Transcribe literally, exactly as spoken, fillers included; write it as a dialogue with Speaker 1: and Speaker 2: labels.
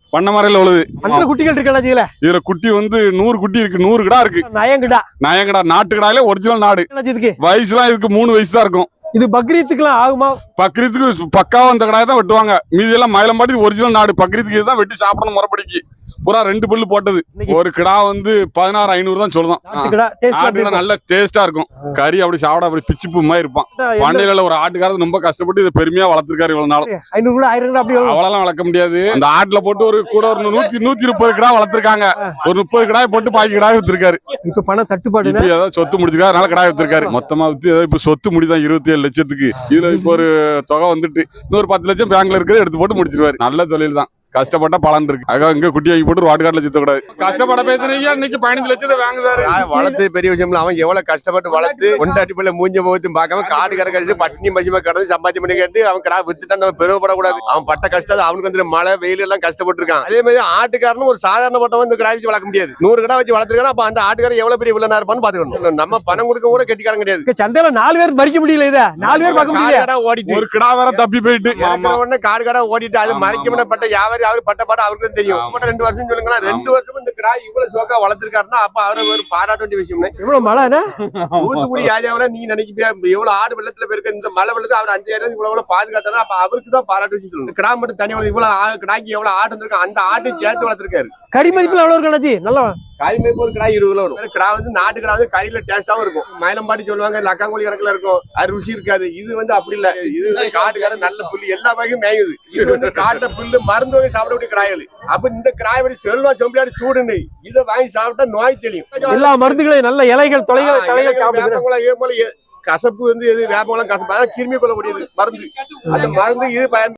Speaker 1: பண்ண மறையில உழுது
Speaker 2: அந்த குட்டிகள் இருக்கல
Speaker 1: இதுல குட்டி வந்து நூறு குட்டி இருக்கு, நூறு கிடா இருக்கு.
Speaker 2: நயங்கிடா
Speaker 1: நயங்கடா நாட்டு கிடாயில ஒரிஜினல் நாடு. வயசுலாம் இதுக்கு மூணு வயசு தான் இருக்கும்.
Speaker 2: இது பக்ரீத்துக்குலாம் ஆகுமா?
Speaker 1: பக்ரீத்துக்கு பக்காவா அந்த கடாயை தான் வெட்டுவாங்க. மீதி எல்லாம் மயிலம்பாடி ஒரிஜினல் நாடு. பக்ரீத்துக்கு இதுதான் வெட்டி சாப்பிடணும் முறைப்படிக்கு. பூரா ரெண்டு பல்லு போட்டது. ஒரு கிடா வந்து பதினாறு ஐநூறு தான் சொல்லுதான். நல்ல டேஸ்டா இருக்கும். கறி அப்படி சாப்பிட அப்படி பிச்சு பூ மாதிரி இருப்பான். பண்ணையில ஒரு ஆட்டுக்காரர் ரொம்ப கஷ்டப்பட்டு இதை பெருமையா வளர்த்திருக்காரு இவ்வளவு நாள்.
Speaker 2: ஐநூறு ஆயிரம்
Speaker 1: அவ்வளவு வளர்க்க முடியாது. அந்த ஆட்டுல போட்டு ஒரு கூட ஒரு நூத்தி நூத்தி முப்பது கிடா வளர்த்திருக்காங்க. ஒரு முப்பது கிடாய் போட்டு பாக்கி கிடாய் வித்திருக்காரு.
Speaker 2: இப்ப பணம் தட்டுப்பாடு
Speaker 1: ஏதாவது சொத்து முடிச்சிருக்காரு, அதனால கிடாய் வித்திருக்காரு. மொத்தமா வித்து இப்ப சொத்து முடிதான் இருபத்தி ஏழு லட்சத்துக்கு. இதுல இப்ப ஒரு தொகை வந்துட்டு இன்னொரு பத்து லட்சம் பேங்க்ல இருக்குது எடுத்து போட்டு முடிச்சிருவாரு. நல்ல தொழில் தான். கஷ்டப்பட்ட பலன் இருக்கு. அதுக்காக இங்க குட்டி வாங்கி போட்டு வாட்டு காட்டுல சுத்த கூடாது. கஷ்டப்பட பேசுறீங்க. இன்னைக்கு பதினஞ்சு லட்சத்தை வாங்குதாரு.
Speaker 3: வளர்த்து பெரிய விஷயம். அவன் எவ்வளவு கஷ்டப்பட்டு வளர்த்து கொண்டாட்டி பிள்ளை மூஞ்ச முகத்தையும் பார்க்காம காடு கரை கழிச்சு பட்டினி மசிமா கடந்து சம்பாத்தி பண்ணி கேட்டு அவன் கடா வித்துட்டான். நம்ம பெருமைப்படக்கூடாது. அவன் பட்ட கஷ்டம் அவனுக்கு வந்து மழை வெயில் எல்லாம் கஷ்டப்பட்டு இருக்கான். அதே மாதிரி ஆட்டுக்காரனும் ஒரு சாதாரண பட்டம் இந்த கடா வச்சு வளர்க்க முடியாது. நூறு கடா வச்சு வளர்த்துருக்கான். அப்ப அந்த ஆட்டுக்காரன் எவ்வளவு பெரிய வில்லனா இருப்பான்னு பாத்துக்கணும். நம்ம பணம் கொடுக்க கூட கெட்டிக்காரன் கிடையாது.
Speaker 2: சந்தையில நாலு பேர் மறிக்க முடியல. இதை நாலு பேர் பார்க்க முடியல.
Speaker 3: ஓடிட்டு
Speaker 1: ஒரு கடா வேற தப்பி போயிட்டு
Speaker 3: உடனே காடு கடா ஓடிட்டு அது மறைக்கப்பட்ட வியாபாரி அவர் பட்ட பாடம் அவருக்கு தெரியும். ரெண்டு வருஷம் சொல்லுங்களா, ரெண்டு வருஷம் இந்த கிடாய் இவ்வளவு சோக்கா வளர்த்திருக்காருன்னா அப்ப அவரை ஒரு பாராட்ட வேண்டிய விஷயம்.
Speaker 2: இவ்வளவு மழை
Speaker 3: தூத்துக்குடி ஏரியாவில நீங்க நினைக்கிறியா எவ்வளவு ஆடு வெள்ளத்துல போயிருக்க இந்த மழை வெள்ளத்துல அவர் அஞ்சாயிரம் இவ்வளவு பாதுகாத்தாலும் அப்ப அவருக்கு தான் பாராட்டு விஷயம் சொல்லணும். கிடா மட்டும் தனி இவ்வளவு கிடாய்க்கு எவ்வளவு ஆடு இருந்திருக்கு, அந்த ஆட்டை சேர்த்து வளர்த்திருக்காரு.
Speaker 2: கறி மதிப்புல எவ்வளவு இருக்கு? நல்லா
Speaker 3: கறி மதிப்பு ஒரு கிடா இருபது கிலோ வரும். கிடா வந்து நாட்டு கிடா வந்து கறியில டேஸ்டாவும் இருக்கும். மயிலம்பாடி சொல்லுவாங்க லக்காங்கோழி கணக்குல இருக்கும், அது ருசி இருக்காது. இது வந்து அப்படி இல்ல. இது காட்டுக்கார நல்ல புல்லு எல்லா வகையும் மேயுது. இது வந்து காட்டுல புல்லு மருந்து வகை சாப்பிடக்கூடிய கிடாய்கள். அப்ப இந்த கிடாய் படி சொல்லணும் சொம்பியாடி சூடுன்னு இதை வாங்கி சாப்பிட்டா நோய் தெரியும்.
Speaker 2: எல்லா மருந்துகளையும் நல்ல இலைகள் தொலைகள் தலைகள் சாப்பிடுறாங்க.
Speaker 3: கசப்பு வந்து எது வேப்பம் கசப்பு கிருமி கொள்ளக்கூடியது மருந்து. அந்த மருந்து இது பயன்